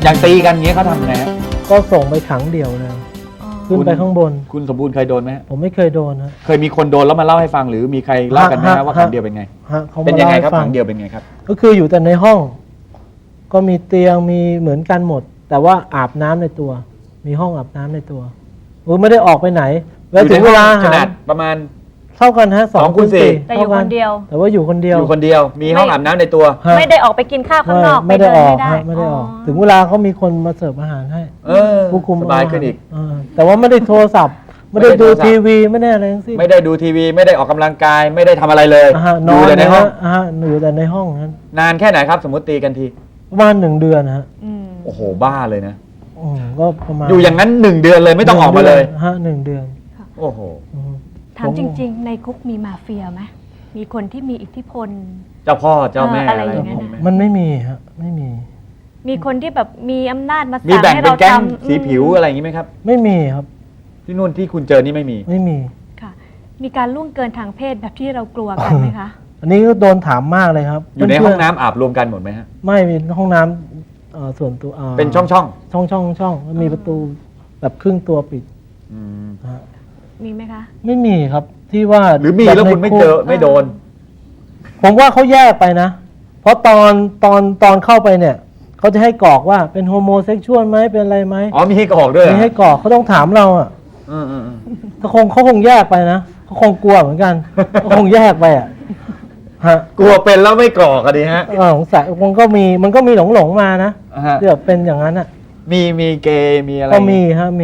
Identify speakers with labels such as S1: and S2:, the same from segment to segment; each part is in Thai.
S1: อย่างตีกันเงี้ยเขาทำไงฮะ
S2: ก็ส่งไปขังเดี่ยวเลยขึ้นไปข้างบน
S1: คุณสมบูรณ์เคยโดนไหมฮะ
S2: ผมไม่เคยโดนนะ
S1: เคยมีคนโดนแล้วมาเล่าให้ฟังหรือมีใครเล่ากันไหมฮะว่าขังเดียวเป็นไง
S2: เขา
S1: เป็น
S2: มา
S1: ยัง
S2: เล่า
S1: ไง
S2: ให้
S1: ครับ
S2: ฟัง
S1: ขังเดียวเป็นไงครับ
S2: ก็คืออยู่แต่ในห้อง ก็มีเตียงมีเหมือนกันหมด แต่ว่าอาบน้ำในตัว มีห้องอาบน้ำในตัวไม่ได้ออกไปไหนแล้วถึงเวลาอา
S1: ข
S2: หาร
S1: นาดประมาณ
S2: เท่ากันฮะ
S1: 2 คูณ
S3: แต่อยู่คนเดียว
S2: แต่ว่าอยู่คนเดียว
S1: อยู่คนเดียวมีห้องอาบน้ำในตัว
S2: ฮะ
S3: ไม่ได้ออกไปกินข้าวข้างนอก
S2: ไม่ได้ออก
S3: ปเน
S2: ฮะไม่ได้ออก ถึงเวลาเขามีคนมาเสิร์ฟอาหารให้ ผู้คุม
S1: สบายขึ้นอีก
S2: แต่ว่าไม่ได้โทรศัพท์ ไม่ได้ดูทีวีไม่ได้อะไรทั้งสิ้น
S1: ไม่ได้ดูทีวีไม่ได้ออกกำลังกายไม่ได้ทำอะไรเลย
S2: น
S1: ดู
S2: อน
S1: แต่ในห้อง
S2: อยู่แต่ในห้องนั้น
S1: นานแค่ไหนครับ สมมติตีกันที
S2: ประมาณ1 เดือนฮะ
S1: โอ้โหบ้าเลยนะ
S2: ก็ประมาณ
S1: อยู่อย่างนั้น1 เดือนเลยไม่ต้องออกมาเลย
S2: 1 เดือน
S1: โอ้โห
S3: ถามจริงๆ ในคุกมีมาเฟียไหมมีคนที่มีอิทธิพล
S1: เจ้าพ่อเจ้าแม่
S3: อะไร
S1: อะไร
S3: อย่างเงี้ย
S1: มีไหม
S2: มันไม่มีฮะไม่มี
S3: มีคนที่แบบมีอำนาจมา
S1: มี
S3: สั่ง
S1: แบ่ง
S3: ให้
S1: เป็น
S3: เรา
S1: แก๊ง
S3: ทำ
S1: สีผิวอะไรอย่างนี้ไหมครับ
S2: ไม่มีครับ
S1: ที่นู่นที่คุณเจอนี่ไม่มี
S2: ไม่มี
S3: ค่ะ มีการล่วงเกินทางเพศแบบที่เรากลัวกันไหมคะ
S2: อันนี้ก็โดนถามมากเลยครับ
S1: อยู่ในห้องน้ำอาบรวมกันหมดไหมฮะ
S2: ไม่มีห้องน้ำส่วนตัว
S1: เป็นช่อง
S2: ช่องแล้วมีประตูแบบครึ่งตัวปิด
S1: ๆอืม
S2: ฮะ
S3: มีไหมคะ
S2: ไม่มีครับที่ว่า
S1: หรือมีแล้วคุณไม่เจอไม่โดน
S2: ผมว่าเขาแยกไปนะ เพราะตอนเข้าไปเนี่ยเขาจะให้กรอกว่าเป็นโฮโมเซ็กชวลไหมเป็นอะไรไหม
S1: อ๋อมีให้กรอกด้วยเหรอ
S2: มีให้กรอกเขาต้องถามเราอ่ะ
S1: อืม
S2: เขาคงแยกไปนะเขาคงกลัวเหมือนกันเขาคงแยกไปอ่ะฮะ
S1: กลัวเป็นแล้วไม่กรอกอะดิฮะ
S2: สงสัยมันก็มีหลงมานะ
S1: อ่าฮะ
S2: ที่แบบเป็นอย่างนั้นอ่ะ
S1: มีเกย์มีอะไร
S2: ก็มีฮะมี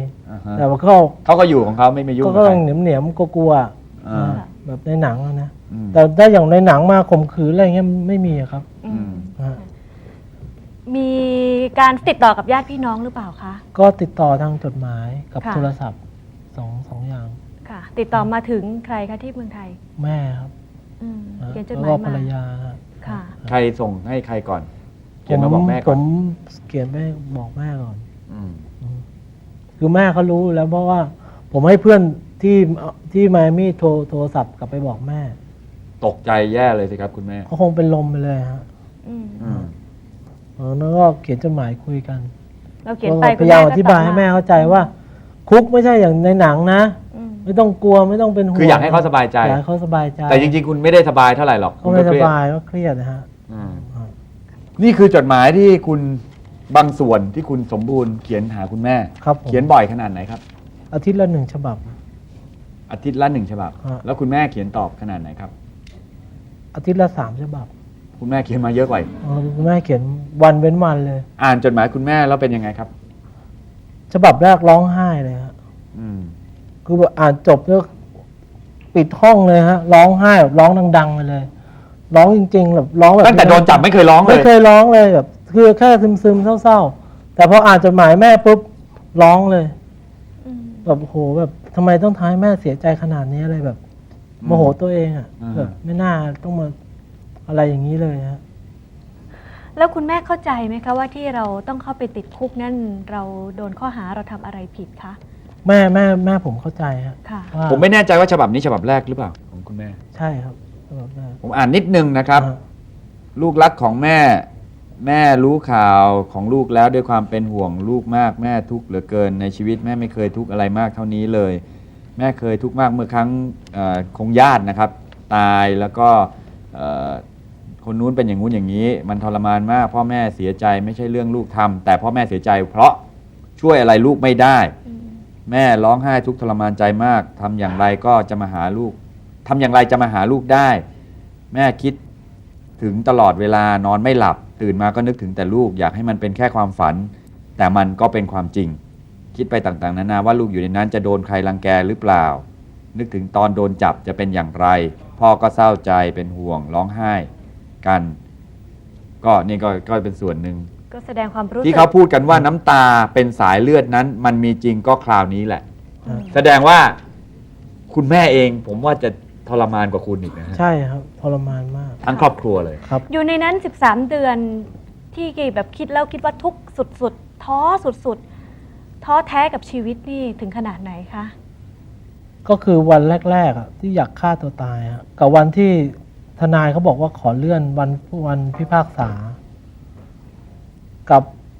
S1: อ่าฮะ
S2: แต่ว่า
S1: เขาก็อยู่ของเขาไม่ยุ่ง
S2: ก็
S1: กับใคร
S2: เหนียมๆกลัวๆอะ
S1: อ่า
S2: แบบในหนังอะนะ
S1: อืม
S2: แต่ถ้าอย่างในหนังมาข่มขืนอะไรเงี้ยไม่มีอะครับ
S3: อืม
S2: ฮะ
S3: มีการติดต่อกับญาติพี่น้องหรือเปล่าคะ
S2: ก็ติดต่อทางจดหมายกับ
S3: ค่ะ
S2: โทรศัพท์สองอย่าง
S3: ค่ะ ติดต่อมาถึงใครคะที่เมืองไทย
S2: แม่ครับ
S3: เขียนจดห
S2: แล้
S3: มา
S2: วย ก็ภร
S3: มาร
S2: ยาฮะ
S3: ค่ะ
S1: ใครส่งให้ใครก่อนเขียนมาบอกแม่
S2: ผ
S1: ก่อน
S2: มเขียนไปบอกแม่ก่อน
S1: อืม
S2: คือแม่เขารู้แล้วเพราะว่าผมให้เพื่อนที่ไมอามี่โทรศัพท์กลับไปบอกแม่
S1: ตกใจแย่เลยสิครับคุณแม่
S2: เขาคงเป็นลมไปเลยฮะ
S3: อืม
S1: อืม
S2: แล้วก็เขียนจดหมายคุยกัน
S3: เราเขียนไป
S2: พยายามอธิบายให้แม่เข้าใจว่า คุกไม่ใช่อย่างในหนังนะ
S3: อืม
S2: ไม่ต้องกลัวไม่ต้องเป็นห่วง
S1: คืออยากให้เขาสบายใจ
S2: อยากให้เขาสบายใจ
S1: แต่จริงๆ คุณไม่ได้สบายเท่าไหร่หรอก
S2: เขา
S1: คุณ
S2: ไม่
S1: ก็
S2: ส
S1: เครียด
S2: บายก็เครียดนะฮะ
S1: อืมนี่คือจดหมายที่คุณบางส่วนที่คุณสมบูรณ์เขียนหาคุณแม่
S2: ครับผม
S1: เขียนบ่อยขนาดไหนครับ
S2: อาทิตย์ละ 1 ฉบับ
S1: อาทิตย์ละ1 ฉบับ
S2: ฮะ
S1: แล้วคุณแม่เขียนตอบขนาดไหนครับ
S2: อาทิตย์ละ 3 ฉบับ
S1: คุณแม่เขียนมาเยอะกว่า
S2: คุณแม่เขียนวันเว้นวันเลย
S1: อ่านจดหมายคุณแม่แล้วเป็นยังไงครับ
S2: ฉบับแรกร้องไห้เลยฮะ
S1: อืม
S2: คือแบบอ่านจบแล้วปิดห้องเลยฮะร้องไห้แบบร้องดังๆไปเลย ร้องจริงๆแบบร้องแบบ
S1: ตั้งแต่โดนจับไม่เคยร้องเล
S2: ไม่
S1: ย
S2: เคยร้องเลยแบบคือแค่ซึมๆเศร้าๆแต่พออ่านจดหมายแม่ปุ๊บร้องเลย
S3: อืม
S2: แบบโหแบบทำไมต้องทำให้แม่เสียใจขนาดนี้อะไรแบบโมโหตัวเองอ่ะแบบไม่น่าต้องมาอะไรอย่างนี้เลยฮะ
S3: แล้วคุณแม่เข้าใจไหมคะว่าที่เราต้องเข้าไปติดคุกนั่นเราโดนข้อหาเราทำอะไรผิดคะ
S2: แม่ผมเข้าใจฮะ
S3: ค่ะ
S2: ว่า
S1: ผมไม่แน่ใจว่าฉบับนี้ฉบับแรกหรือเปล่าของคุณแม่
S2: ใช่ครับแบบนั้น
S1: ผมอ่านนิดนึงนะครับ
S2: อ่า
S1: ลูกรักของแม่ แม่รู้ข่าวของลูกแล้วด้วยความเป็นห่วงลูกมากแม่ทุกข์เหลือเกินในชีวิตแม่ไม่เคยทุกข์อะไรมากเท่านี้เลย แม่เคยทุกข์มากเมื่อครั้งคงญาตินะครับ ตายแล้วก็เอ่อคนนู้นเป็นอย่างนู้นอย่างนี้ มันทรมานมากพ่อแม่เสียใจไม่ใช่เรื่องลูกทำแต่พ่อแม่เสียใจเพราะช่วยอะไรลูกไม่ได้ แม่ร้องไห้ทุกข์ทรมานใจมากทำอย่างไรก็จะมาหาลูกทำอย่างไรจะมาหาลูกได้ แม่คิดถึงตลอดเวลานอนไม่หลับตื่นมาก็นึกถึงแต่ลูกอยากให้มันเป็นแค่ความฝัน แต่มันก็เป็นความจริง คิดไปต่างๆนานาว่าลูกอยู่ในนั้นจะโดนใครรังแกหรือเปล่า นึกถึงตอนโดนจับจะเป็นอย่างไร พ่อก็เศร้าใจเป็นห่วงร้องไห้กัน ก็นี่ก็เป็นส่วนหนึ่ง
S3: ก็แสดงความรู้สึก
S1: ที่เขาพูดกันว่าน้ำตาเป็นสายเลือดนั้น มันมีจริงก็คราวนี้แหละ
S3: อืม
S1: แสดงว่าคุณแม่เองผมว่าจะทรมานกว่าคุณอีกนะฮะ
S2: ใช่ครับทรมานมาก
S1: ทั้งครอบครัวเลย
S2: ครับ
S3: อยู่ในนั้น 13 เดือนที่แบบคิดแล้วคิดว่าทุกข์สุดๆท้อสุดๆท้อแท้กับชีวิตนี่ถึงขนาดไหนคะ
S2: ก็คือวันแรกๆอะที่อยากฆ่าตัวตายอะกับวันที่ทนายเขาบอกว่าขอเลื่อนวันพิพากษา กับ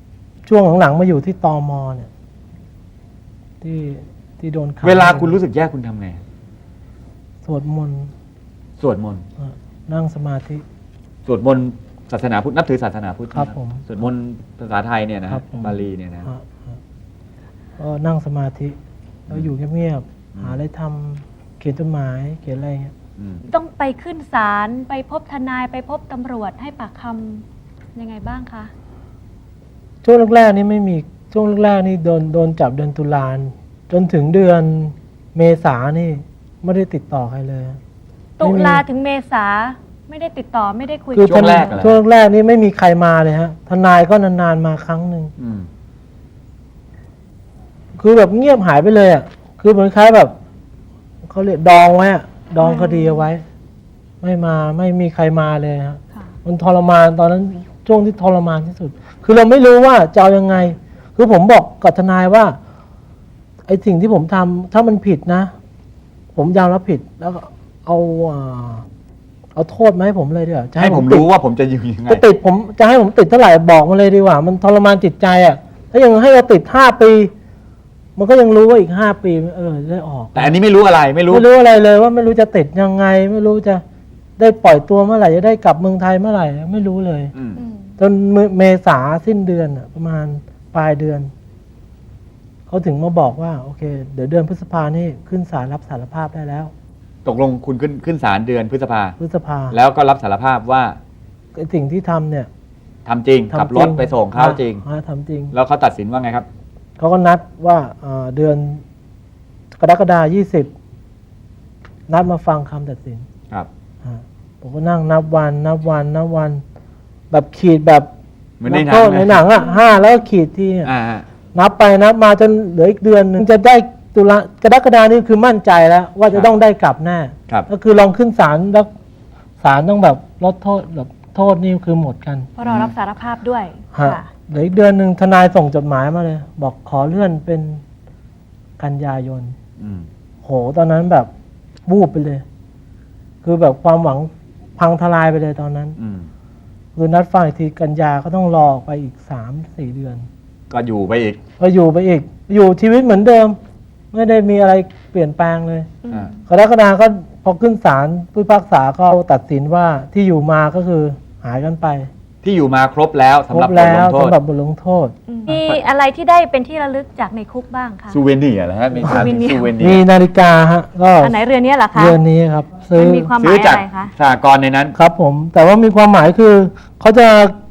S2: ช่วงหลังๆมาอยู่ที่ตมเนี่ยที่โดนขัง
S1: เวลาคุณรู้สึกแย่คุณทำไง
S2: สวดมนต์
S1: สวดมนต์
S2: นั่งสมาธิ
S1: สวดมนต์ศาสนาพุทธนับถือศาสนาพุทธ
S2: ครับ
S1: นะ
S2: ผม
S1: สวดมนต์ภาษาไทยเนี่ยนะ
S2: ครั
S1: ฮะ
S2: บผม
S1: บาลีเนี่ยนะ
S2: ก็นั่งสมาธิแล้วอยู่เงียบๆหาอะไรทำเขียนจดหมายเขียนอะไรเงี้ย
S1: อืม
S3: ต้องไปขึ้นศาลไปพบทนายไปพบตำรวจให้ปากคำยังไงบ้างคะ
S2: ช่วงแรกๆนี่ไม่มีช่วงแรกๆนี่โดนจับเดือนตุลาจนถึงเดือนเมษานี่ไม่ได้ติดต่อใครเลย
S3: ตุลาถึงเมษาไม่ได้ติดต่อไม่ได้คุย
S2: คือ
S3: กั
S1: ช่วงแรกเหรอ
S2: ช่วงแรกนี่ไม่มีใครมาเลยฮะทนายก็นานๆมาครั้งหนึ่ง
S1: อืม
S2: คือแบบเงียบหายไปเลยอ่ะคือเหมือนคล้ายแบบเขาเรียกดองไว้อะดองคดีเอาไว้ ไม่มาไม่มีใครมาเลยฮะ
S3: ค่ะ
S2: มันทรมานตอนนั้นช่วงที่ทรมานที่สุด คือเราไม่รู้ว่าจะเอายังไง คือผมบอกกับทนายว่าไอ้สิ่งที่ผมทำถ้ามันผิดนะ ผมยอมรับผิดแล้วก็เอาโทษมาให้ผมเลยดีกว่าจะ
S1: ให้ผม
S2: ติด
S1: รู้ว่าผมจะอยู่ยังไง
S2: จะติดผมจะให้ผมติดเท่าไหร่บอกมาเลยดีกว่า มันทรมานจิตใจอ่ะถ้ายังให้เราติด5 ปี มันก็ยังรู้ว่าอีก5 ปีได้ออก
S1: แต่อันนี้ไม่รู้อะไรไม่รู้
S2: ไม่รู้อะไรเลยว่าไม่รู้จะติดยังไง ไม่รู้จะได้ปล่อยตัวเมื่อไหร่จะได้กลับเมืองไทยเมื่อไหร่ไม่รู้เลย
S1: อืม
S3: อืม
S2: จนเมษาสิ้นเดือนอะประมาณปลายเดือนเขาถึงมาบอกว่าโอเค เดี๋ยวเดือนพฤษภานี่ขึ้นศาลรับสารภาพได้แล้ว
S1: ตกลงคุณขึ้นศาลเดือนพฤษภา
S2: พฤษภา
S1: แล้วก็รับสารภาพว่า
S2: ไอ้สิ่งที่ทำเนี่ย
S1: ทำจริง
S2: ทำ
S1: ขับรถไปส่งเขาจริง
S2: ทำจริง
S1: แล้วเขาตัดสินว่าไงครับ
S2: เขาก็นัดว่าเดือนกรกฎาคม20นัดมาฟังคำตัดสิน
S1: ครับ
S2: ผมก็นั่งนับวัน แบบขีดแบบ
S1: เหมือนในหนัง
S2: โทษ
S1: นะ
S2: ในหนังอ่ะ5แล้วก็ขีดที่
S1: อ่า
S2: นับไปนับมาจนเหลืออีกเดือนหนึ่งจะได้กรกฎาคมนี่คือมั่นใจแล้ว ว่าจะต้องได้กลับแน่
S1: ครับ
S2: ก็คือลองขึ้นศาลแล้วศาลต้องแบบลดโทษแบบโทษนี่คือหมดกัน
S3: เพราะเรารับสารภาพด้วย
S2: ฮะ
S3: ค่ะ
S2: เหลืออีกเดือนหนึ่งทนายส่งจดหมายมาเลย บอกขอเลื่อนเป็นกันยายน
S1: อืม
S2: โหตอนนั้นแบบวูบไปเลย คือแบบความหวังพังทลายไปเลยตอนนั้น
S1: อืม
S2: คือนัดฟังอีกทีกันยาก็ต้องรอไปอีก3-4 เดือน
S1: ก็อยู่ไปอีก
S2: ก็อยู่ไปอีก อยู่ชีวิตเหมือนเดิม ไม่ได้มีอะไรเปลี่ยนแปลงเลย
S1: อ่า
S2: กรกฎาคมก็พอขึ้นศาลผู้พิพากษาก็ตัดสินว่าที่อยู่มาก็คือหายกันไป
S1: ที่อยู่มาครบแล้ว
S2: ค
S1: สำ
S2: ร
S1: หรับบ ท
S2: แล้
S1: ล
S2: ว
S1: งโทษ
S2: สำหรับบทลงโทษ
S3: มีอะไรที่ได้เป็นที่ระลึกจากในคุกบ้างคะ
S1: ซูเวเนียร์เหรอฮะมีถามถึง
S3: ซู
S1: ซู
S3: เว
S1: เว
S3: เนียร์
S1: เนี
S2: มี
S1: ยร์
S2: นาฬิกาฮะก็
S3: อันไหนเรือนนี้เหรอคะ
S2: เรือนนี้ครับ ซื้อ
S3: มันมีความห
S1: ซื้
S3: มา
S1: อย จาก
S3: อะไรคะ
S1: สหกรณ์ในนั้น
S2: ครับผม แต่ว่ามีความหมายคือเขาจะ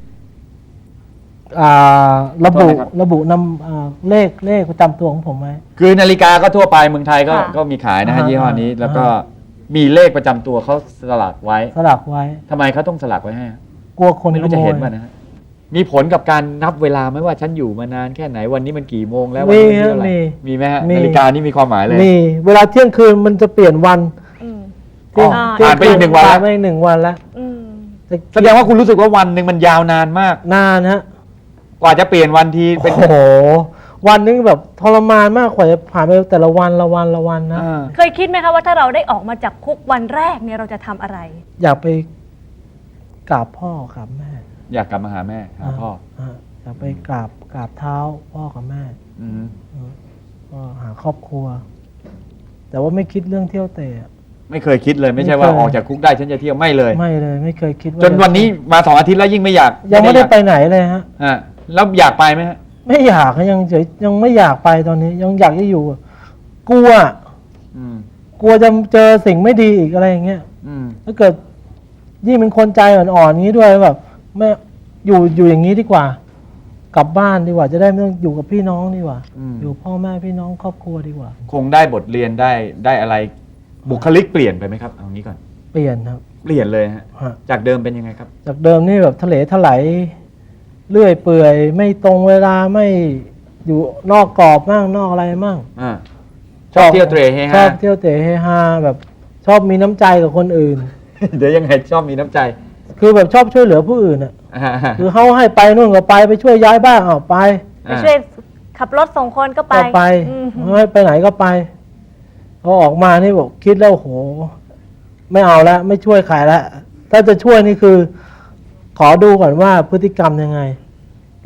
S2: ระบุนำเลขประจำตัวของผมไว้
S1: คือนาฬิกาก็ทั่วไปเมืองไทยก็
S3: ค่ะ
S1: ก็มีขายนะฮะ
S2: อ่า
S1: ยี่ห้อนี้ แล้วก็มีเลขประจำตัวเขาสลักไว้
S2: สลักไว้
S1: ทำไมเขาต้องสลักไว้ให้ฮะ
S2: กลัวคน
S1: ไม่
S2: ข
S1: รู้
S2: โม
S1: จะเห็น
S2: ย
S1: ป่ะนะฮะมีผลกับการนับเวลาไหมว่าฉันอยู่มานานแค่ไหนวันนี้มันกี่โมงแล้ววัน
S2: มี
S1: นี้มัน
S2: ฮะ
S1: เท่าไหร่
S2: มี
S1: มีไหมฮะ
S2: มี
S1: นาฬิกานี่มีความหมายเลย
S2: มีเวลาเที่ยงคืนมันจะเปลี่ยนวัน
S3: อืม
S2: เที่ยง
S3: อ๋อ
S2: เที่ย
S1: ผ่านไปอีกหนึ่งวัน
S2: ผ่า
S1: แล้ว
S2: ไปอีก1 วันแล้ว
S3: อืม
S1: แสดงว่าคุณรู้สึกว่าวันหนึ่งมันยาวนานมาก
S2: นานฮะ
S1: กว่าจะเปลี่ยนวันทีเป็น
S2: โอ้โห วันนึงแบบทรมานมากกว่าจะผ่านไปแต่ละวันละวันนะ
S1: อ่า
S3: เคยคิดไหมคะว่าถ้าเราได้ออกมาจากคุกวันแรกเนี่ยเราจะทำอะไร
S2: อยากไปกราบพ่อกราบแม่
S1: อยากกลับมาหาแม่หาพ่อ
S2: อยากไปกราบเท้าพ่อกับแม่
S1: อืม
S2: ก็หาครอบครัว แต่ว่าไม่คิดเรื่องเที่ยวเตะ
S1: ไม่เคยคิดเลยไม่ใช่ว่า
S2: ไม่เคย
S1: ออกจากคุกได้ฉันจะเที่ยวไม่เลย
S2: ไม่เลยไม่เคยคิดว่า
S1: จนวันนี้มา2 อาทิตย์แล้วยิ่งไม่อยาก
S2: ยังไม่ได้
S1: อยาก
S2: ไปไหนเลยฮะ
S1: ฮะแล้วอยากไปไหมฮะ
S2: ไม่อยากยังเฉยยังไม่อยากไปตอนนี้ ยังอยากจะอยู่กลัว
S1: อืม
S2: กลัวจะเจอสิ่งไม่ดีอีกอะไรอย่างเงี้ย
S1: อืม
S2: ถ้าเกิดยิ่งเป็นคนใจอ่อนๆอย่างนี้ด้วยแบบไม่อยู่อย่างนี้ดีกว่า กลับบ้านดีกว่า จะได้ไม่ต้องอยู่กับพี่น้องดีกว่า อยู่พ่อแม่พี่น้องครอบครัวดีกว่า
S1: คงได้บทเรียนได้อะไรบุคลิกเปลี่ยนไปไหมครับเอางี้ก่อน
S2: เปลี่ยนครับ
S1: เปลี่ยนเลยฮะ
S2: ฮะ
S1: จากเดิมเป็นยังไงครับ
S2: จากเดิมนี่แบบทะเลถลายเลื่อยเปื่อย ไม่ตรงเวลาไม่อยู่นอกกรอบมั่งนอกอะไรมั่ง
S1: อ่าชอบเที่ยวเตร่เฮ
S2: ชอ
S1: ฮา
S2: บเที่ยวเตะเฮฮาแบบชอบมีน้ำใจกับคนอื่น
S1: เดี๋ยวยังไงชอบมีน้ำใจ
S2: คือแบบชอบช่วยเหลือผู้อื่นอ่ะ
S1: อ่า
S2: คือเขาให้ไปนู่นก็ไปช่วยย้ายบ้านเอาไป
S3: ไปช่วยขับรถส่งคนก็ไป
S2: ก็ไป
S3: อืม
S2: ไม่ไปไหนก็ไปพอออกมานี่บอกคิดแล้วโห ไม่เอาแล้วไม่ช่วยใครแล้วถ้าจะช่วยนี่คือ ขอดูก่อนว่าพฤติกรรมยังไง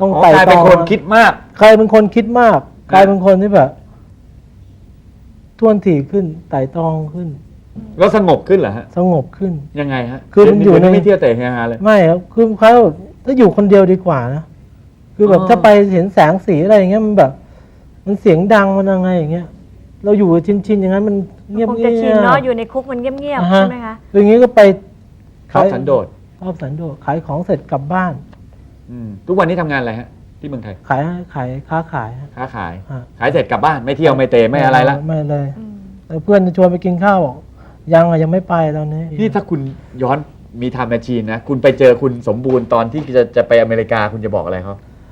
S2: ต้อง
S1: อ๋อ
S2: ไต่
S1: กลาย
S2: ต
S1: เป็
S2: อน ง
S1: คนคิดมาก
S2: กลายเป็นคนคิดมากกลายเป็นคนที่แบบท่วนถี่ขึ้นไต่ตองขึ้น
S1: แล้วสงบขึ้นเหรอฮะ
S2: สงบขึ้น
S1: ยังไงฮะ
S2: คือมันอยู่ใน
S1: ไม่เที่ยวแต่เฮฮาเลย
S2: ไม่ครับคือเขาแบบถ้าอยู่คนเดียวดีกว่านะคือแบบ
S1: อ๋อ
S2: ถ้าไปเห็นแสงสีอะไรอย่างเงี้ยมันแบบ มันเสียงดังมันยังไงอย่างเงี้ย เราอยู่ชินอย่างนั้นมันเงียบ
S3: คง
S2: เงี
S3: จะชิน
S2: ย
S3: เนาะ
S2: บ
S3: อยู่ในคุกมันเงียบ
S2: อ่า
S3: ๆ
S2: ฮะ
S3: ใช่ไหมคะ
S2: อย่างงี้ก็ไป
S1: ชอบสันโดษ
S2: ชอบสันโดษขายของเสร็จกลับบ้าน
S1: ทุกวันนี้ทำงานอะไรฮะ ที่เมืองไทย
S2: ขายค้าขายฮะ
S1: ค้าขาย
S2: ฮะ
S1: ขายเสร็จกลับบ้านไม่เที่ยวไม่เตะไม่อะไรละ
S2: ไม่เลย
S3: อืม
S2: แล้วเพื่อนจะชวนไปกินข้าวบอกยังไม่ไปตอนนี้
S1: นี่ถ้าคุณย้อนมีไทม์แมชชีนนะ คุณไปเจอคุณสมบูรณ์ตอนที่จะไปอเมริกาคุณจะบอกอะไรเขา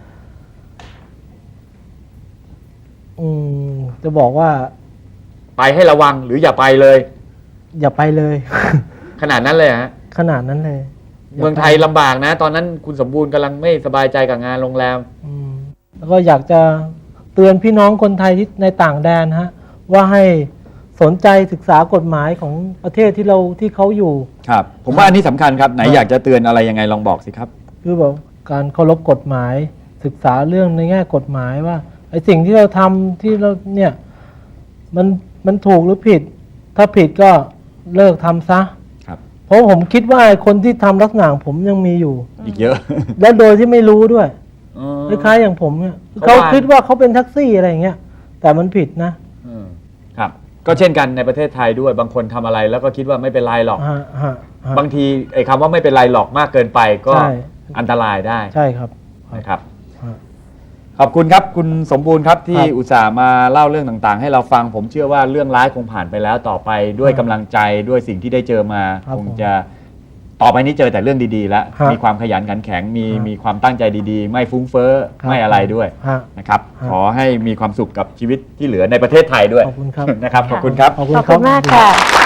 S2: จะบอกว่า
S1: ไปให้ระวังหรืออย่าไปเลย
S2: อย่าไปเลย
S1: ขนาดนั้นเลยฮะ
S2: ขนาดนั้นเลย
S1: เมืองไทยลำบากนะ ตอนนั้นคุณสมบูรณ์กำลังไม่สบายใจกับงานโรงแรม
S2: แล้วก็อยากจะเตือนพี่น้องคนไทยที่ในต่างแดนฮะ ว่าให้สนใจศึกษากฎหมายของประเทศที่เขาอยู่
S1: ครับ ผมว่าอันนี้สำคัญครับ ไหนอยากจะเตือนอะไรยังไงลองบอกสิครับ
S2: คือแบบการเคารพกฎหมาย ศึกษาเรื่องในแง่กฎหมายว่าไอ้สิ่งที่เราทำที่เราเนี่ยมันถูกหรือผิด ถ้าผิดก็เลิกทำซะ
S1: ครับ
S2: เพราะผมคิดว่าไอ้คนที่ทำลักษณะของผมยังมีอยู่
S1: อีกเยอะ
S2: แล้วโดยที่ไม่รู้ด้วย
S1: อ๋อ
S2: คล้ายๆอย่างผมเนี่ย
S1: เขา
S2: เขา
S1: ว่า
S2: คิดว่าเขาเป็นแท็กซี่อะไรอย่างเงี้ยแต่มันผิดนะ
S1: ครับ ก็เช่นกันในประเทศไทยด้วยบางคนทำอะไรแล้วก็คิดว่าไม่เป็นไรหรอก
S2: ฮะฮะฮะ
S1: บางทีไอ้คำว่าไม่เป็นไรหรอกมากเกินไปก็
S2: ใช่
S1: อันตรายได้
S2: ใช่ครับ
S1: นะครับ
S2: ฮะ
S1: ขอบคุณครับคุณสมบูรณ์ครับที่
S2: ครับ
S1: อุตส่าห์มาเล่าเรื่องต่างๆ ให้เราฟังผมเชื่อว่าเรื่องร้ายคงผ่านไปแล้วต่อไปด้วยกำลังใจด้วยสิ่งที่ได้เจอมา
S2: ครับ
S1: คงจะต่อไปนี้เจอแต่เรื่องดีๆ แล้ว
S2: ครับ
S1: มีความขยันขันแข็งมี
S2: ครับ
S1: มีความตั้งใจดีๆ ไม่ฟุ้งเฟ้อ
S2: ครับ
S1: ไม่อะไรด้วย
S2: ฮะ
S1: นะครับ
S2: ครับ
S1: ขอให้มีความสุขกับชีวิตที่เหลือในประเทศไทยด้วย
S2: ขอบคุณครับ
S1: นะครับขอบคุณครับ
S2: ขอบคุณ
S3: ขอบ
S2: ครั
S3: คุ
S2: บ
S3: ณมากค่ะ